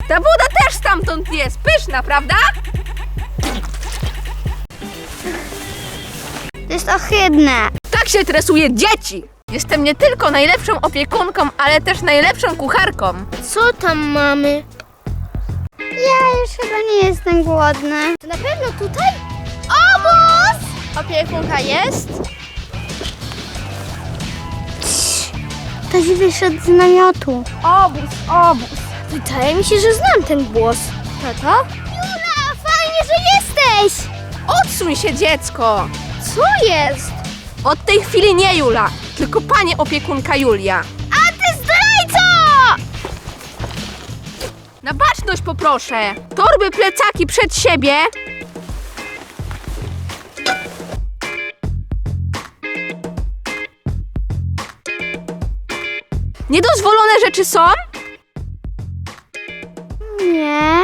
Ta woda też stamtąd jest, pyszna, prawda? To jest ohydne. Tak się tresuje dzieci. Jestem nie tylko najlepszą opiekunką, ale też najlepszą kucharką. Co tam mamy? Ja już chyba nie jestem głodny. To na pewno tutaj? Obóz! Opiekunka jest? Ktoś wyszedł z namiotu. Obóz. Wydaje mi się, że znam ten głos. Tato? Jula, fajnie, że jesteś! Odsuń się, dziecko. Co jest? Od tej chwili nie Jula, tylko pani opiekunka Julia. A ty zdrajco! Na baczność poproszę. Torby, plecaki przed siebie. Niedozwolone rzeczy są? Nie.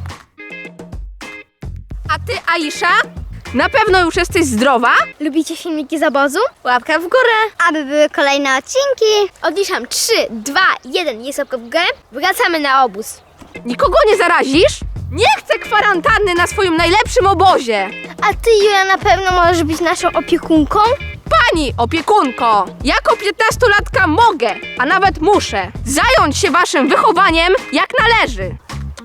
A ty, Aisza? Na pewno już jesteś zdrowa? Lubicie filmiki z obozu? Łapka w górę. Aby były kolejne odcinki. Odliczam 3, 2, 1. Jest łapka w górę. Wracamy na obóz. Nikogo nie zarazisz? Nie chcę kwarantanny na swoim najlepszym obozie. A ty, Jula, na pewno możesz być naszą opiekunką? Pani opiekunko, jako 15-latka mogę, a nawet muszę, zająć się waszym wychowaniem jak należy.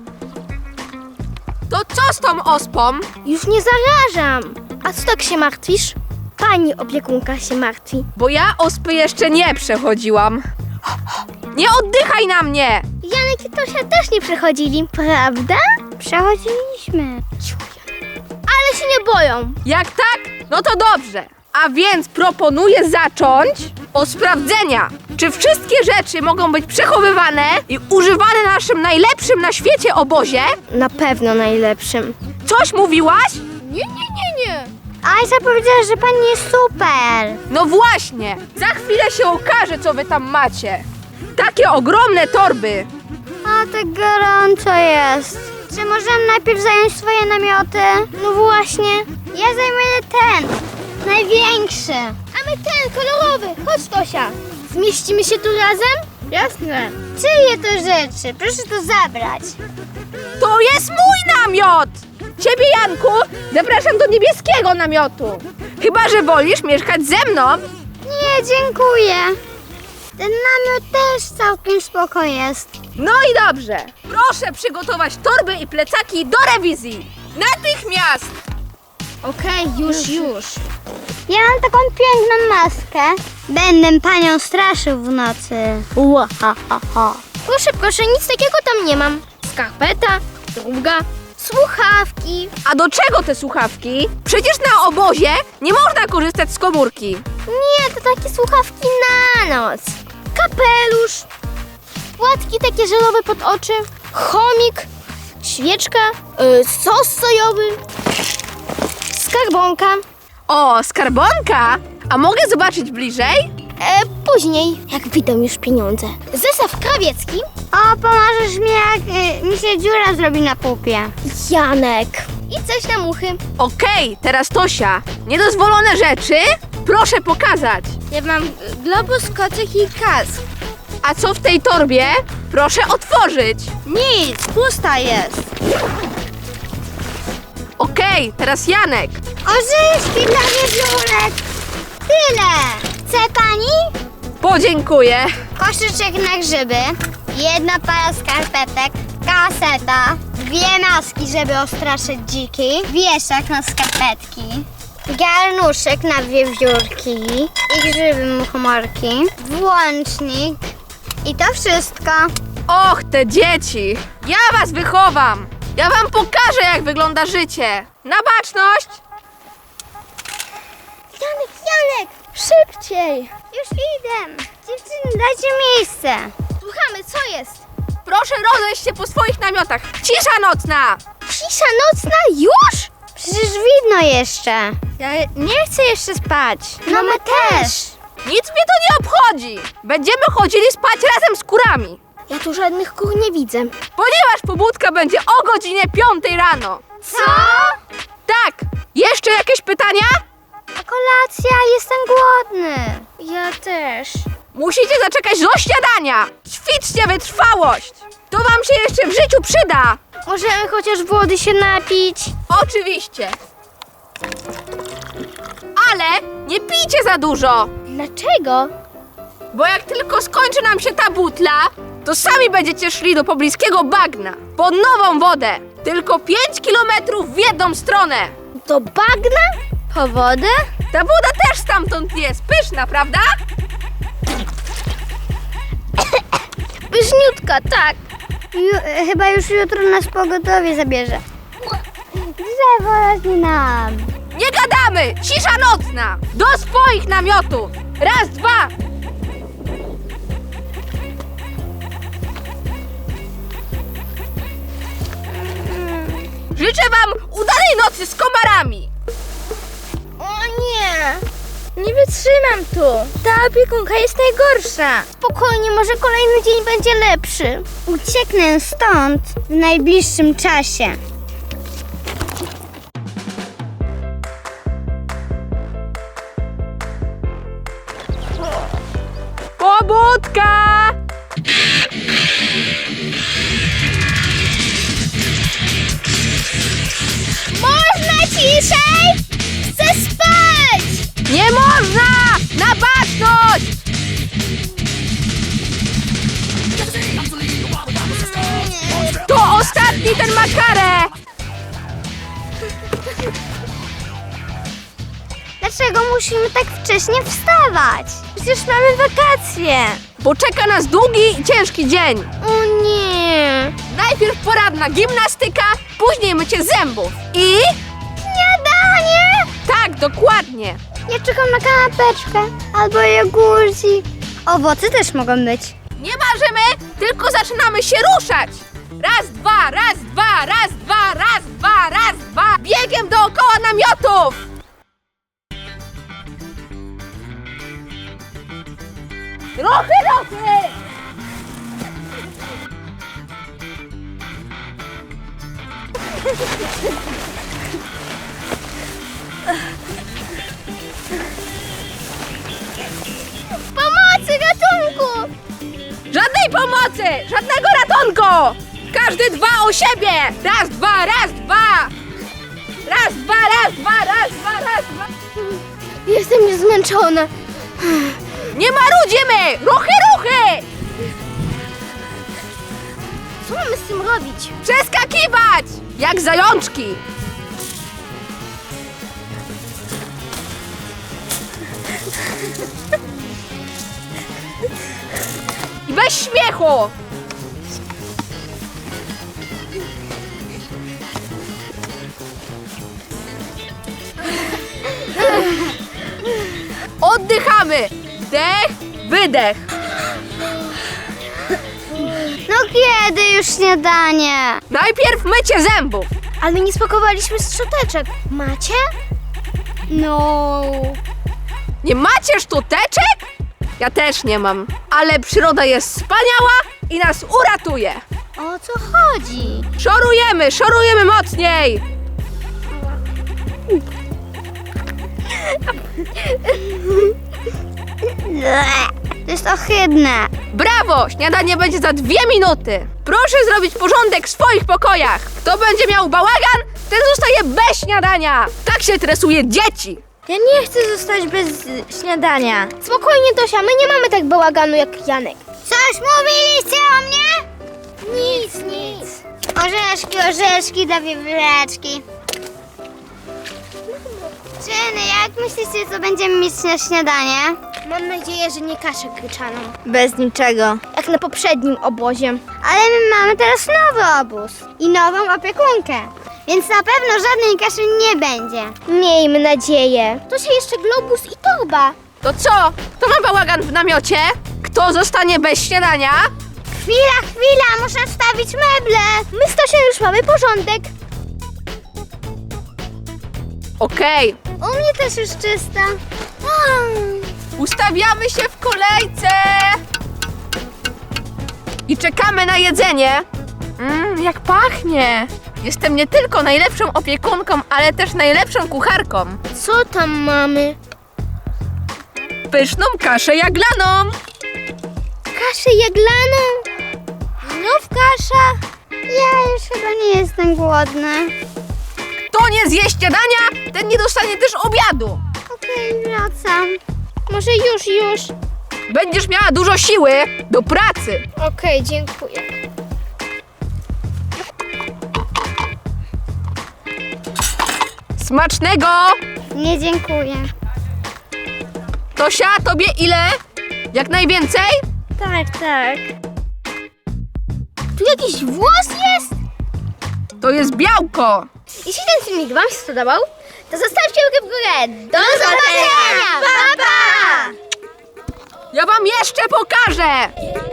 To co z tą ospą? Już nie zarażam. A co tak się martwisz? Pani opiekunka się martwi. Bo ja ospy jeszcze nie przechodziłam. Nie oddychaj na mnie! Janek i Tosia też nie przechodzili, prawda? Przechodziliśmy. Ale się nie boją. Jak tak? No to dobrze. A więc proponuję zacząć od sprawdzenia, czy wszystkie rzeczy mogą być przechowywane i używane na naszym najlepszym na świecie obozie. Na pewno najlepszym. Coś mówiłaś? Nie. Aisza powiedziała, że pani jest super. No właśnie, za chwilę się okaże, co wy tam macie. Takie ogromne torby. A tak gorąco jest. Czy możemy najpierw zająć swoje namioty? No właśnie. Ja zajmę ten. Największy. A my ten, kolorowy. Chodź, Tosia. Zmieścimy się tu razem? Jasne. Czyje to rzeczy? Proszę to zabrać. To jest mój namiot! Ciebie, Janku, zapraszam do niebieskiego namiotu. Chyba że wolisz mieszkać ze mną. Nie, dziękuję. Ten namiot też całkiem spoko jest. No i dobrze. Proszę przygotować torby i plecaki do rewizji. Natychmiast! Okej, już. Ja mam taką piękną maskę. Będę panią straszył w nocy. Łahahaha. Proszę, nic takiego tam nie mam. Skarpeta, druga, słuchawki. A do czego te słuchawki? Przecież na obozie nie można korzystać z komórki. Nie, to takie słuchawki na noc. Kapelusz, płatki takie żelowe pod oczy, chomik, świeczka, sos sojowy, skarbonka. O, skarbonka! A mogę zobaczyć bliżej? Później, jak wyjdą już pieniądze. Zestaw krawiecki. O, pomożesz mi, jak mi się dziura zrobi na pupie. Janek. I coś na muchy. Okej, teraz Tosia. Niedozwolone rzeczy? Proszę pokazać. Ja mam globus, kocyk i kask. A co w tej torbie? Proszę otworzyć. Nic, pusta jest. Okej, teraz Janek. Orzeszki dla wiewiórek. Tyle. Chce pani? Podziękuję. Koszyczek na grzyby, jedna para skarpetek, kaseta, 2 maski, żeby ostraszyć dziki, wieszak na skarpetki, garnuszek na wiewiórki i grzyby muchomorki, włącznik i to wszystko. Och, te dzieci. Ja was wychowam. Ja wam pokażę, jak wygląda życie. Na baczność. Janek, szybciej. Już idę. Dziewczyny, dajcie miejsce. Słuchamy, co jest? Proszę rozejść się po swoich namiotach. Cisza nocna. Cisza nocna już? Przecież widno jeszcze. Ja nie chcę jeszcze spać. No my też. Nic mnie to nie obchodzi. Będziemy chodzili spać razem z kurami. Ja tu żadnych kur nie widzę. Ponieważ pobudka będzie o godzinie 5 rano. Co? Tak. Jeszcze jakieś pytania? A kolacja, jestem głodny. Ja też. Musicie zaczekać do śniadania. Ćwiczcie wytrwałość. To wam się jeszcze w życiu przyda. Możemy chociaż wody się napić? Oczywiście. Ale nie pijcie za dużo, Dlaczego? bo jak tylko skończy nam się ta butla, to sami będziecie szli do pobliskiego bagna po nową wodę. Tylko 5 kilometrów w jedną stronę. Do bagna? Po wodę? Ta woda też stamtąd jest pyszna, prawda? Pyszniutka, tak. Chyba już jutro nas pogotowie zabierze. Drzewo rośnie nam. Nie gadamy! Cisza nocna! Do swoich namiotów! Raz, dwa! Życzę wam udanej nocy z komarami! O nie! Nie wytrzymam tu. Ta opiekunka jest najgorsza. Spokojnie, może kolejny dzień będzie lepszy. Ucieknę stąd w najbliższym czasie. Pobudka! Można ciszej? Chcę spać! Nie można! Na baczność! To ostatni ten ma karę! Dlaczego musimy tak wcześnie wstawać? Przecież mamy wakacje. Bo czeka nas długi i ciężki dzień. O nie! Najpierw poranna gimnastyka, później mycie zębów. I... Śniadanie! Tak, dokładnie. Ja czekam na kanapeczkę albo jogurcik. Owoce też mogą być. Nie marzymy, tylko zaczynamy się ruszać. Raz, dwa, raz, dwa, raz, dwa, raz, dwa, raz, dwa. Biegiem dookoła namiotów. Ruchy, ruchy! Pomocy, ratunku! Żadnej pomocy! Żadnego ratunku! Każdy dba o siebie! Raz, dwa, raz, dwa! Raz, dwa, raz, dwa, raz, dwa, raz, dwa! Jestem już zmęczona. Nie marudzimy! Ruchy, ruchy! Co mamy z tym robić? Przeskakiwać! Jak zajączki! I bez śmiechu! Oddychamy! Wdech, wydech! No kiedy już śniadanie? Najpierw mycie zębów! Ale nie spakowaliśmy szczoteczek. Macie? No. Nie macie sztuteczek? Ja też nie mam. Ale przyroda jest wspaniała i nas uratuje. O co chodzi? Szorujemy mocniej! To jest ohydne. Brawo! Śniadanie będzie za 2 minuty. Proszę zrobić porządek w swoich pokojach. Kto będzie miał bałagan, ten zostaje bez śniadania. Tak się tresuje dzieci. Ja nie chcę zostać bez śniadania. Spokojnie, Tosia, my nie mamy tak bałaganu jak Janek. Coś mówiliście o mnie? Nic. Orzeszki dla wiewióreczki. Czyny, jak myślicie, co będziemy mieć na śniadanie? Mam nadzieję, że nie kaszę gryczaną. Bez niczego. Jak na poprzednim obozie. Ale my mamy teraz nowy obóz i nową opiekunkę, więc na pewno żadnej kaszy nie będzie. Miejmy nadzieję. Tosia, jeszcze globus i torba. To co? Kto ma bałagan w namiocie? Kto zostanie bez śniadania? Chwila, muszę wstawić meble. My z Tosią już mamy porządek. Okej. U mnie też już czysta. Ustawiamy się w kolejce. I czekamy na jedzenie. Jak pachnie. Jestem nie tylko najlepszą opiekunką, ale też najlepszą kucharką. Co tam mamy? Pyszną kaszę jaglaną. kaszę jaglaną? Znów kasza? Ja już chyba nie jestem głodny. Kto nie zje śniadania, ten nie dostanie też obiadu. Okej, wracam. Może już. Będziesz miała dużo siły do pracy. Okej, dziękuję. Smacznego! Nie dziękuję. Tosia, tobie ile? Jak najwięcej? Tak. Tu jakiś włos jest? To jest białko. Jeśli ten filmik wam się spodobał, to zostawcie łapkę w górę. Do zobaczenia! Pa, pa! Ja wam jeszcze pokażę.